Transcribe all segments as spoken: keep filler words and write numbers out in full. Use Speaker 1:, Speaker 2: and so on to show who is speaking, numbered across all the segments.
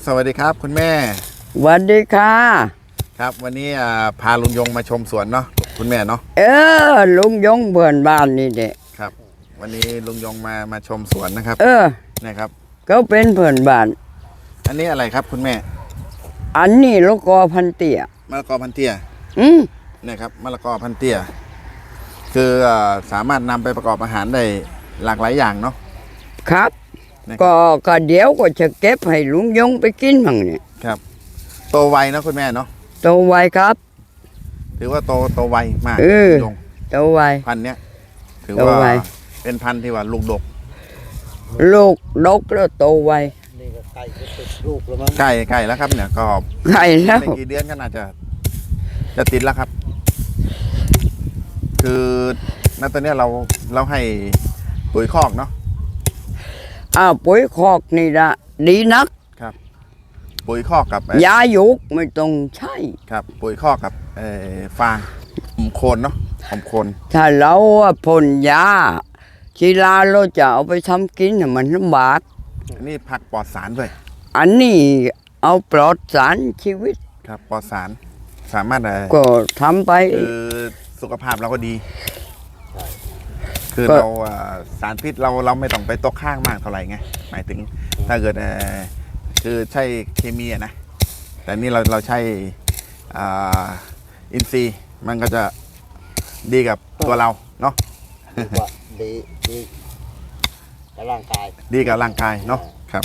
Speaker 1: สวัสดีครับคุณแม่
Speaker 2: สวัสดีค่ะ
Speaker 1: ครับวันนี้พาลุงยงมาชมสวนเนาะคุณแม่เนาะ
Speaker 2: เออลุงยงเพื่อนบ้านนี่เด็ก
Speaker 1: ครับวันนี้ลุงยงมามาชมสวนนะครับ
Speaker 2: เออ
Speaker 1: นะครับ
Speaker 2: ก็เป็นเพื่อนบ้าน
Speaker 1: อันนี้อะไรครับคุณแม่
Speaker 2: อันนี้ลูกกอพันเตี้ย
Speaker 1: มะละกอพันเตี้ย
Speaker 2: อืม
Speaker 1: นะครับมะละกอพันเตี้ยคือสามารถนำไปประกอบอาหารได้หลากหลายอย่างเนาะ
Speaker 2: ครับก็ก็เดี๋ยวก็จะเก็บให้ลุงยงไปกินมั่งเนี่ย
Speaker 1: ครับโตไวนะคุณแม่เนาะ
Speaker 2: โตไวครับ
Speaker 1: ถือว่าโตโตไวมาก
Speaker 2: ลุงยงโตไว
Speaker 1: พันเนี้ยถือว่าเป็นพันที่ว่าลูกดก
Speaker 2: ลูกดกแล้วโตไว
Speaker 3: นี่ก็ไก่ก็ติดลูกแล้วมั้ง
Speaker 1: ไก่ไก่แล้วครับเนี่ยก็
Speaker 2: ไก่แล้ว
Speaker 1: ในกี่เดือนก็น่าจะจะติดแล้วครับ คือณตอนนี้เราเราให้ปุ๋ยคอกเนาะ
Speaker 2: อ้าวปุ๋ยคอกนี่ละดีนัก
Speaker 1: ครับปุ๋ยคอกกับ
Speaker 2: ยาหยุกไม่ต้องใช่
Speaker 1: ครับปุ๋ยคอกกับฟางหอมโคนเนาะหอมโคน
Speaker 2: ถ้าเราพ่นยาชีลาเราจะเอาไปทำกินมันลำบาก
Speaker 1: อันนี้ผักปลอดสารด้วย
Speaker 2: อันนี้เอาปลอดสารชีวิต
Speaker 1: ครับปลอดสารสามารถ
Speaker 2: ก็ทำไป
Speaker 1: คือสุขภาพเราก็ดีคือเราสารพิษเราเราไม่ต้องไปตกข้างมากเท่าไหร่ไงหมายถึงถ้าเกิดคือใช่เคมีนะแต่นี่เราเราใช้อินทรีย์มันก็จะดีกับตัวเราเนาะ
Speaker 3: ดีดีกับร่างกาย
Speaker 1: ดีกับร่างกายเนาะครับ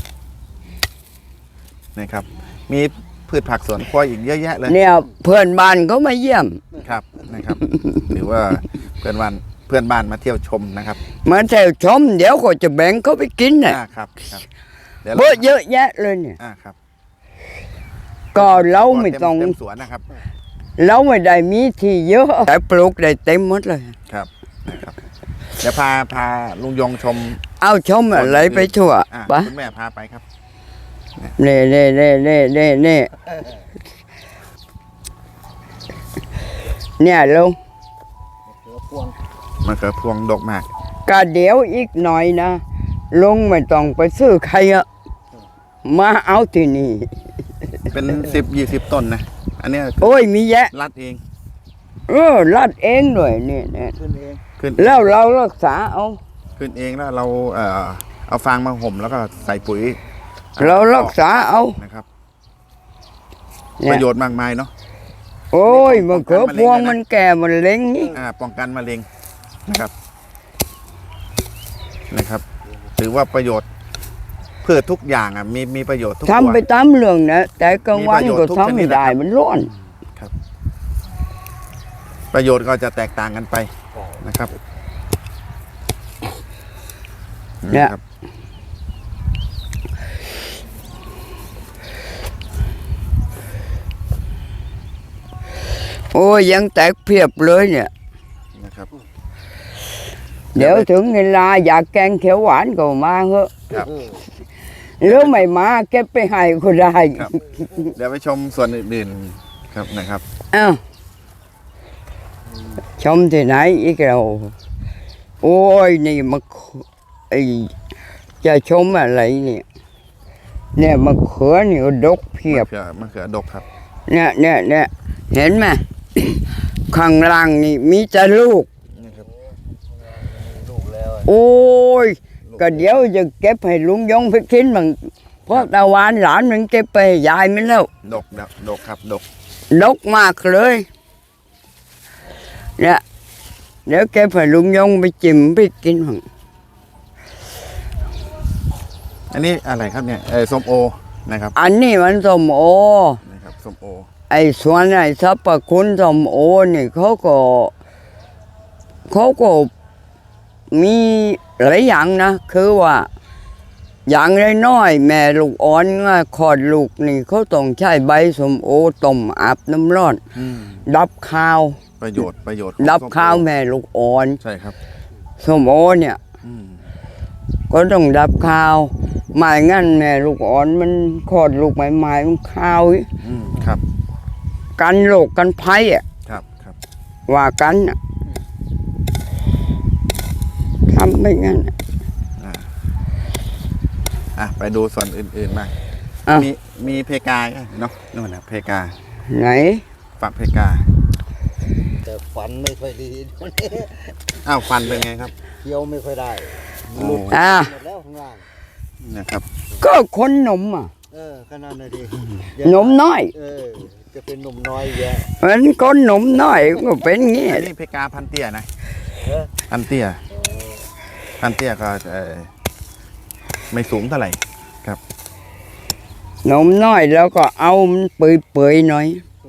Speaker 1: นี่ครับมีพืชผักสวนครัวอีกเยอะแยะเลย
Speaker 2: เนี่ยเพื่อนบ้านเขามาเยี่ยม
Speaker 1: ครับนะครับหรือว่าเพื่อนบ้านเพื่อนบ้านมาเที่ยวชมนะครับ
Speaker 2: มาเที่ยวชมเดี๋ยวก็จะแบ่งเขาไปกินน่ะ
Speaker 1: ครับครับ
Speaker 2: เยอะเยอะแยะเลยเนี่ย
Speaker 1: ครับ
Speaker 2: ก็เราไม่ต้อง
Speaker 1: เต็มสวนนะครับ
Speaker 2: เราไม่ได้มีที่เยอะแต่ปลูกได้เต็มหมดเลย
Speaker 1: ครับนะครับเดี๋ยวพาพาลุงยงชม
Speaker 2: เอาชมอะไรไปทั่ว
Speaker 1: ปะคุณแม่พาไปครับ
Speaker 2: เน่เน่เน่เน่เน่เน่เนี่ยลุง
Speaker 1: มะเขือพวงดกมาก
Speaker 2: ก็เดี๋ยวอีกหน่อยนะลุงไม่ต้องไปซื้อใครอะมาเอาที่นี่
Speaker 1: เป็นสิบยี่สิบต้นนะอันนี้
Speaker 2: โอ้ยมีแยะ
Speaker 1: รัดเอง
Speaker 2: เออรัดเองด้วยเนี่ยเนี่ย
Speaker 3: ขึ้นเอง
Speaker 1: ขึ้น
Speaker 2: แล้วเรารักษาเอา
Speaker 1: ขึ้นเองแล้วเราเอ่อเอาฟางมาห่มแล้วก็ใส่ปุ๋ย
Speaker 2: เรารักษาเอา
Speaker 1: นะครับประโยชน์มากมายเนาะ
Speaker 2: โอ้ยมะเขือพวงมันแก่มันเล็งนี่
Speaker 1: อ่าป้องกันมะเร็งนะครับนะครับถือว่าประโยชน์พืชทุกอย่างอ่ะมีมีประโยชน์ทุกตัว
Speaker 2: ทำไปตามเรื่องนะแต่กลางวันก็ทำไม่ได้มันร้อน
Speaker 1: ครับประโยชน์ก็จะแตกต่างกันไปนะครับ
Speaker 2: เนี่ยโอ้ยยังแตกเพียบเลยเนี่ย
Speaker 1: นะครับ
Speaker 2: เดี๋ยวถึงเวลาอยากแกงเขียวหวานก็มาเหอะหรือไม่มาเก็บไปให้ก็ได้
Speaker 1: เดี๋ยวไปชมส่วนอื่นๆครับนะครับ
Speaker 2: อ้าวชมที่ไหนอีกเราโอ้ยนี่มะไอจะชมอะไรเนี่ยเนี่ยมะเขือนี่ก็ดกเพียบ
Speaker 1: มะเขือดกครับ
Speaker 2: เนี่ยเนี่ยเนี่ยเห็นไหมข้างล่างนี่มีแต่ลูกโอ้ยก็เดี๋ยวจะเก็บให้ลุงยงไปกินมันเพราะตะวันหลานมันเก็บไปยายมันแล้ว
Speaker 1: ดกดกครับดก
Speaker 2: ดกมากเลยเนี่ยเดี๋ยวเก็บให้ลุงยงไปจิ้มไปกินมัน
Speaker 1: อันนี้อะไรครับเนี่ยไอ้ส้มโอนะครับ
Speaker 2: อันนี้มันส้มโอ
Speaker 1: นะครับส้มโอ
Speaker 2: ไอ้ส่วนไอ้สรรพคุณส้มโอนี่เขาก็เขาก็มีหลายอย่างนะคือว่าอย่างน้อยๆแม่ลูกอ่อนคลอดลูกนี่เขาต้องใช้ใบส้มโอต้มอาบน้ำร้อนดับข้าว
Speaker 1: ประโยชน์ประโยชน์
Speaker 2: ดับข้าวแม่ลูกอ่อน
Speaker 1: ใช่ครับ
Speaker 2: ส้มโอเนี่ยก็ต้องดับข้าวไม่งั้นแม่ลูกอ่อนมันคลอดลูกใหม่ๆมันข้าว
Speaker 1: ครับ
Speaker 2: กันโรคกันภัยอ่ะ
Speaker 1: ครับครับ
Speaker 2: ว่ากันทำไม่งั้น
Speaker 1: อ่ะไปดูส่วนอื่นๆมามีมีเพกาเนาะนู่นนะเพกา
Speaker 2: ไหน
Speaker 1: ฝักเพกา
Speaker 3: แต่ฟันไม่ค่อยดี
Speaker 1: อ้าวฟันเป็นไงครับ
Speaker 3: เคี้ยวไม่ค่อยได้
Speaker 1: โอ้
Speaker 3: หลุด
Speaker 2: อ่า
Speaker 3: หมดแล้วข้างล่าง
Speaker 1: นะครับ
Speaker 2: ก็คนหนุ่มอ่ะ
Speaker 3: เออขนาดนั้นดิ
Speaker 2: หนุ่มน้อย
Speaker 3: เออจะเป็นหนุ่มน้อยแยะ
Speaker 2: เหมือนคนหนุ่มน้อยก็เป็นงี้
Speaker 1: อันนี้เพกาพันเตี้ยนะ
Speaker 3: เออ
Speaker 1: พันเตี้ยพันเตี้ยก็เอ่อไม่สูงเท่าไหร่
Speaker 2: หนุ่มน้อยแล้วก็เอามันเปื่อยๆหน่อย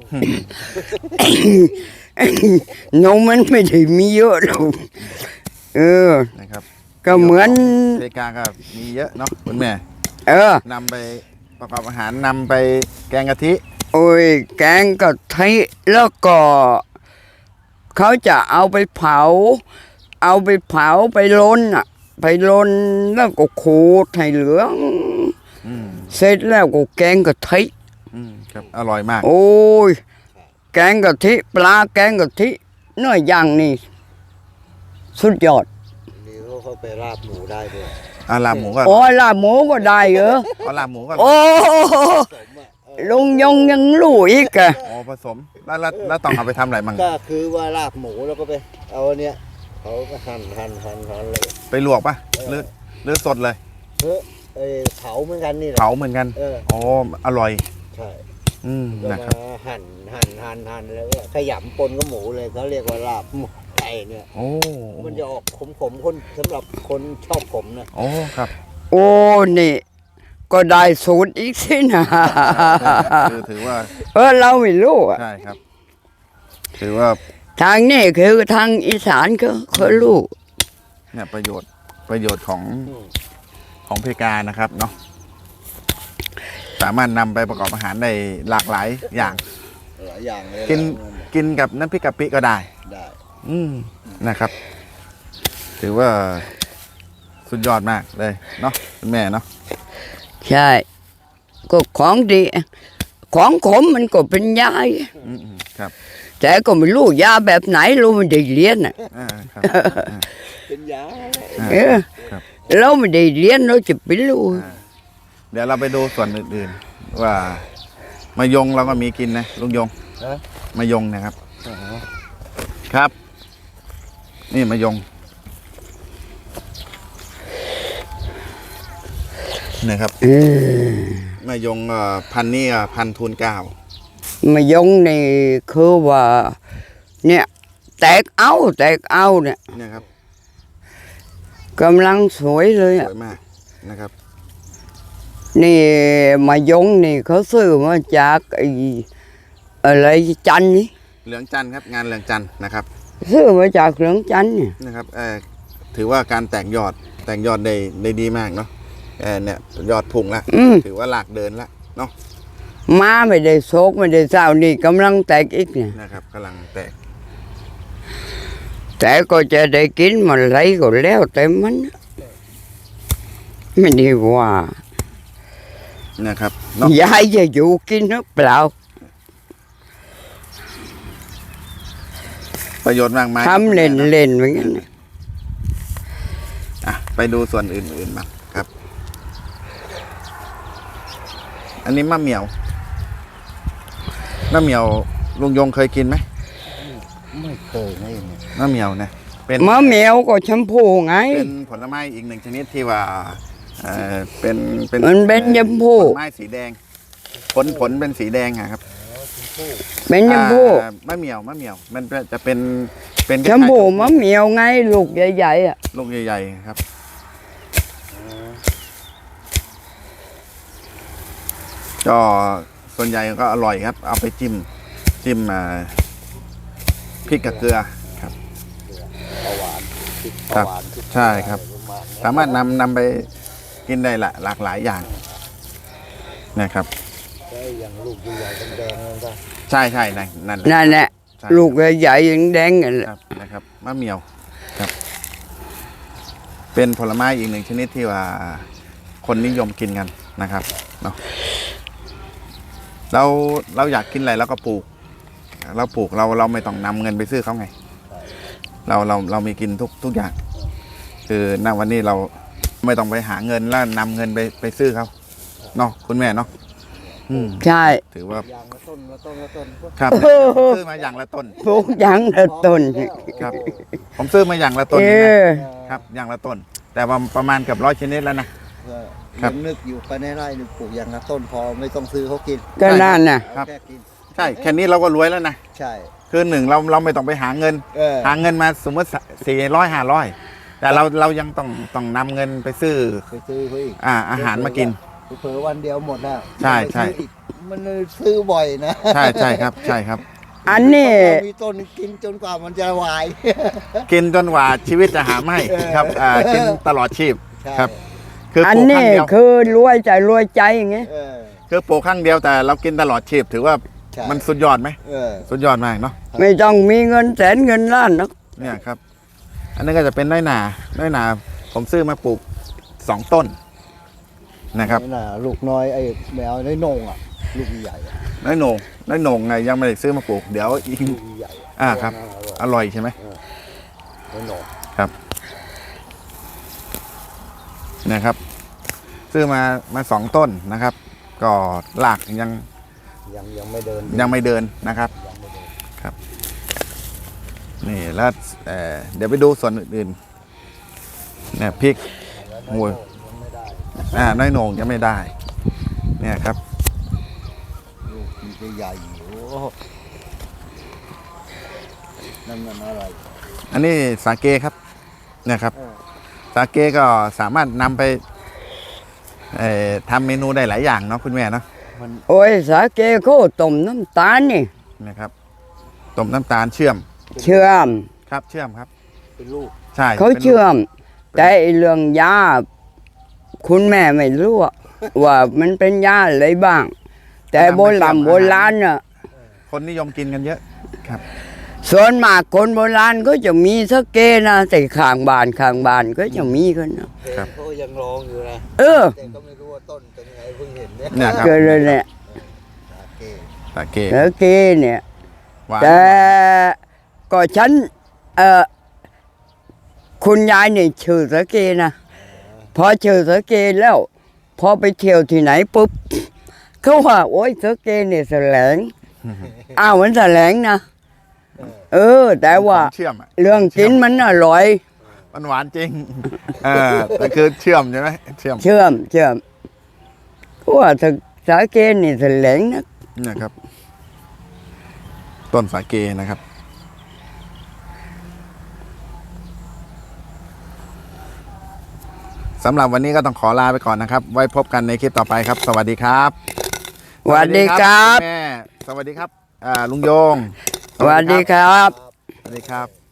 Speaker 2: นมมันไม่ได้มีเยอะหรอกเออ
Speaker 1: นะครับ
Speaker 2: ก็เหมือน
Speaker 1: เพกาก็มีเยอะเนาะคุณแม่
Speaker 2: เออ
Speaker 1: นำไปประกอบอาหารนำไปแกงกะทิ
Speaker 2: โอ้ยแกงกะทิแล้วก็เขาจะเอาไปเผา เอาไปเผาไปลนอ่ะ ไปลนแล้วก็ขูดให้เหลือง
Speaker 1: อืม
Speaker 2: เสร็จแล้วก็แกงกะทิ
Speaker 1: อืมครับอร่อยมาก
Speaker 2: โอ้ยแกงกะทิปลาแกงกะทิเนื้อย่างนี่สุดยอด
Speaker 3: นี่เขาเข้าไปราบหมูได้ด้วย
Speaker 1: อาลาบหมูก็
Speaker 2: โอ้ยลาบหมูก็ได้เหรอ
Speaker 1: เอาลาบหมูก็
Speaker 2: โอ้
Speaker 3: สมอ่ะเออ
Speaker 2: ลุงยงยังรู้อีกอะ
Speaker 1: อ๋อผสมแล้วแล้วแล้วต้องเอาไปทำอะไรมั่ง
Speaker 3: ก็คือว่าราบหมูแล้วก็ไป เอาอันเนี้ยเขาก็หั่นหั่นหั่นหั่นเลย
Speaker 1: ไปลวกปะหรือหรือสดเลย
Speaker 3: เฮ้ยเอ้ยเผาเหมือนกันนี่แหละ
Speaker 1: เผาเหมือนกัน
Speaker 3: เออ
Speaker 1: อ๋ออร่อย
Speaker 3: ใช่
Speaker 1: อืม
Speaker 3: ก็
Speaker 1: นะครับ
Speaker 3: มาหั่นหั่นหั่นหั่นแล้วก็ขยำปนกับหมูเลยเขาเรียกว่าลาบหมูไก่เนี่ย
Speaker 1: โอ้
Speaker 3: มันจะออกขมๆคนสำหรับคนชอบขมนะ
Speaker 1: โอ้ครับ
Speaker 2: โอ้นี่ ก็ได้สูตรอีกสินะ
Speaker 1: คือถือว่า
Speaker 2: เออเราไม่รู้อะ
Speaker 1: ใช่ครับ ถือว่า
Speaker 2: ทางนี้คือทางอีสานก็เขารู้
Speaker 1: เนี่ยประโยชน์ประโยชน์ของ
Speaker 3: อืม
Speaker 1: ของเพกานะครับเนาะสามารถนำไปประกอบอาหารได้หลากหลายอย่าง
Speaker 3: หลายอย่างเลย
Speaker 1: กิน
Speaker 3: แล้ว
Speaker 1: กินกับน้ำพริกกะปิก็ได้
Speaker 3: ได้
Speaker 1: อืมนะครับ ถือว่าสุดยอดมากเลยเนาะคุณแม่เนาะ
Speaker 2: ใช่ ก็ของดี ของขมมันก็เป็นยา
Speaker 1: อืมอืมครับ
Speaker 2: แต่ก็ไม่รู้ยาแบบไหนรู้ไม่ได้เรียนอ่ะ
Speaker 1: อ่าครับอ่า
Speaker 3: เป็นยา
Speaker 1: อ่า
Speaker 2: เออ
Speaker 1: ครับ
Speaker 2: เราไม่ได้เรียนเราจะไปรู้
Speaker 1: เดี๋ยวเราไปดูส่วนอื่นๆ ว่ามายงเราก็มีกินนะลุงยง
Speaker 3: ฮะ
Speaker 1: มายงนะครับ ครับ นี่มายงนะครับ
Speaker 2: เออ
Speaker 1: มายงเอ่อพันธุ์นี่อ่ะพันธุ์ทูนเกล้าม
Speaker 2: ายงนี่คือว่า เนี่ย แตกเอาแตกเอาเนี่ย
Speaker 1: เนี่ยครับ
Speaker 2: กำลังสวยเลย
Speaker 1: ส
Speaker 2: อ่ะ
Speaker 1: วยมากนะครับ
Speaker 2: นี่มายงนี่เขาซื้อมาจากไอ้อะไรจันทร์นี่
Speaker 1: เหลืองจันทร์ครับ งานเหลืองจันทร์นะครับ
Speaker 2: ซื้อมาจากเหลืองจันทร์เนี่ย
Speaker 1: นะครับเอ่อถือว่าการแตกยอดแตกยอดได้ได้ดีมากเนาะเอ่อเนี่ยยอดพุ่งละ
Speaker 2: อืม
Speaker 1: ถือว่าหลากเดินละเนาะ
Speaker 2: มาไม่ได้โศกไม่ได้เศร้านี่กำลังแตกอีกเนี่ย
Speaker 1: นะครับกำลังแตก
Speaker 2: แต่ก็จะได้กินมันไรก็แล้วแต่มันนะไม่ได้ว่า
Speaker 1: นะครับเนาะ
Speaker 2: ยายจะอยู่กินหรือเปล่า
Speaker 1: ประโยชน์มากมาย
Speaker 2: ทำเล่นเล่นๆเหมือนกันน่ะ
Speaker 1: อ่ะไปดูส่วนอื่นๆมางครับ อันนี้มะเหมียวมะเหมียวลุงยงเคยกินไหม
Speaker 3: ไม่เคยนะเนี่ย
Speaker 1: มะเหมียวนะเป็น
Speaker 2: มะเหมียวก็ชมพูไง
Speaker 1: เป็นผลไม้อีกหนึ่งชนิดที่ว่าเอ่อเป็นเป็น
Speaker 2: มันเป็นชมพู
Speaker 1: ผลไม้สีแดง ผลผลเป็นสีแดงอะครับ
Speaker 2: เป็นชมพู
Speaker 1: อ่ามะเหมียวมะเหมียว มันจะเป็นเป็น
Speaker 2: ชมพู
Speaker 1: คล้ายๆ
Speaker 2: มะเหมียวไงลูกใหญ่ๆอ่ะ
Speaker 1: ลูกใหญ่ๆครับ ก็ส่วนใหญ่ก็อร่อยครับ เอาไปจิ้มจิ้มอ่าพริกกับเกลือครับ
Speaker 3: ปลาหวานพริกป
Speaker 1: ครั
Speaker 3: ลา
Speaker 1: บ
Speaker 3: หวานพริก
Speaker 1: ใช่ครับ
Speaker 3: ปลาหวาน
Speaker 1: สามารถนำนำไปกินได้ละหลากหลายอย่างนะครับ
Speaker 3: ใช่อย่างลูกใหญ่ๆแดงๆนั่นก็
Speaker 1: ใช่ใช่นั่นนั่น
Speaker 2: นั่นแหละ
Speaker 1: ใช่
Speaker 2: ลูกใหญ่ๆยังแดงๆกันแหละ
Speaker 1: ครับนะครับมะเหมียวครับ เป็นผลไม้อีกหนึ่งชนิดที่ว่าคนนิยมกินกันนะครับเนาะเราเราอยากกินอะไรเราก็ปลูก เราปลูกเราเราไม่ต้องนำเงินไปซื้อเขาไง เราเราเรามีกินทุกทุกอย่าง คือณวันนี้เราไม่ต้องไปหาเงินแล้วนำเงินไปไปซื้อเขาเนาะคุณแม่เนาะอืม
Speaker 2: ใช่
Speaker 1: ถือว่า
Speaker 3: อย่างละต้นละต้นละต้นก็
Speaker 1: ครับเนี่ยผมซื้อมาอย่างละต้น
Speaker 2: ปลูกอย่างละต้น
Speaker 1: ครับ ผมซื้อมาอย่างละต้น
Speaker 2: เอ
Speaker 1: นี่นะ
Speaker 2: อ
Speaker 1: ครับอย่างละต้น แต่ว่าประมาณเกับร้อยชนิดแล้วนะ ครั
Speaker 3: ยั
Speaker 1: บ
Speaker 3: งนึกอยู่ไปในไร่นี่ปลูกอย่างละต้นพอไม่ต้องซื้อเขากิน
Speaker 2: ก็นั่นน่ะ
Speaker 1: ครับ
Speaker 3: เอาแค่กิน
Speaker 1: ใช่แค่นี้เราก็รวยแล้วนะ
Speaker 3: ใช่
Speaker 1: คือหนึ่งเราเราไม่ต้องไปหาเงิน
Speaker 3: เออ
Speaker 1: หาเงินมาสมมติสี่ร้อยห้าร้อยแต่เราเรายังต้องต้องนำเงินไปซื้อ
Speaker 3: ไปซื้อเขาอีก
Speaker 1: อ่าอาหารมากิน
Speaker 3: เผลอๆวันเดียวหมดแล้ว
Speaker 1: ใช่ใช่
Speaker 3: ไปซื้ออีกมันซื้อบ่อยนะ
Speaker 1: ใช่ใช่ครับใช่ครับ
Speaker 2: อันนี้
Speaker 3: เรามีต้นกินจนกว่ามันจะวาย
Speaker 1: กินจนกว่าชีวิตจะหาไม่
Speaker 3: เออ
Speaker 1: ครับอ่ากินตลอดชีพ
Speaker 3: ใช่
Speaker 1: ครับ คือ
Speaker 2: อัน
Speaker 1: ปลูกครั้
Speaker 2: นี้
Speaker 1: งเดียว
Speaker 2: คือรวยใจรวยใจอย่างเงี้ย
Speaker 3: เออ
Speaker 1: คือปลูกครั้งเดียวแต่เรากินตลอดชีพถือว่า
Speaker 3: ใช่
Speaker 1: มันสุดยอดไหม
Speaker 3: เออ
Speaker 1: สุดยอดมากเนาะ
Speaker 2: ไม่ต้องมีเงินแสนเงินล้านนะ
Speaker 1: เนี่ยครับ อันนี้ก็จะเป็นน้อยหนาน้อยหนาผมซื้อมาปลูกสองต้นนะครับ
Speaker 3: นี่น่ะลูกน้อยไอ้แมวน้อยโหนงอ่ะ ลูกใหญ่อะ
Speaker 1: น้อยโหนงน้อยโหนงไงยังไม่ได้ซื้อมาปลูกเดี๋ยวอีก
Speaker 3: ลูกใหญ่ะ
Speaker 1: อ่าครับ
Speaker 3: อร่อย
Speaker 1: อร่อยใช่ไหม
Speaker 3: น้อยโหนง
Speaker 1: ครับเนี่ยครับ ซื้อมามาสองต้นนะครับ ก็หลากยัง
Speaker 3: ยังยังไม่เดิน
Speaker 1: ยังไม่เดินนะครับ
Speaker 3: ยังไม่เดิน
Speaker 1: นี่แล้วเอ่อเดี๋ยวไปดูส่วนอื่นๆเนี่ยพริก
Speaker 3: แล้ว
Speaker 1: โอ้ย
Speaker 3: ยังไม่ได้
Speaker 1: อ่าน้อยโหนงยังไม่ได้ เนี่ยครับ
Speaker 3: ลูกมันจะใหญ่โอ้โหนั่นมันอะไร
Speaker 1: อันนี้สาเกครับเนี่ยครับ
Speaker 3: เออ
Speaker 1: สาเกก็สามารถนำไปเอ่อทำเมนูได้หลายอย่างเนาะคุณแม่เนาะ
Speaker 3: มัน
Speaker 2: โอ้ยสาเกเขาต้มน้ำตาลนี่
Speaker 1: นะครับต้มน้ำตาลเชื่อม
Speaker 2: เชื่อม
Speaker 1: ครับเชื่อมครับ
Speaker 3: เป็นลูก
Speaker 1: ใช่
Speaker 2: เขา
Speaker 1: ป็นลูก
Speaker 2: เชื่อม แต่ไอ้เรื่องยาคุณแม่ไม่รู้อะว่ามันเป็นยาอะไรบ้าง แต่โบราณโบราณน่ะ
Speaker 1: คนนิยมกินกันเยอะครับ
Speaker 2: ส่วนมากคนโบราณก็จะมีสเกนะแต่ข้างบ้านข้างบ้านก็จะมีกันนะ
Speaker 1: ครับ
Speaker 3: เขายังลองอยู่นะ
Speaker 2: เออ
Speaker 3: แต่ก็ไม่รู้ว่าต้นเป็นไงเพิ่งเห็นเนี่ย
Speaker 1: เนี่ยครับ
Speaker 2: เกิดเลยเนี่ย
Speaker 3: โอเค
Speaker 1: สาเก
Speaker 2: สเกเนี่ย
Speaker 1: หวาน
Speaker 2: แต่ก็ฉันเออคุณยายเนี่ยชื่อสเกนะพอชื่อสเกแล้ว พอไปเที่ยวที่ไหนปุ๊บเขาว่าโอ้ยสเกเนี่ยแสลงอ้าวมันแสลงนะเออ แต่ว่า
Speaker 1: เชื่อมอะ
Speaker 2: เรื่องกินมันอร่อย
Speaker 1: มันหวานจริงเออแต่คือเชื่อมใช่ไหมเชื่อม
Speaker 2: เชื่อมเชื่อมเพราะว่าสสาเกนี่แสลงนะ
Speaker 1: เนี่ยครับ ต้นสาเกนะครับ สำหรับวันนี้ก็ต้องขอลาไปก่อนนะครับ ไว้พบกันในคลิปต่อไปครับ สวัสดีครับ
Speaker 2: สวัสดีครับ
Speaker 1: ณแม่สวัสดีครับอ่าลุงโยง
Speaker 2: สวัสดีครับ
Speaker 1: สวัสดีครับ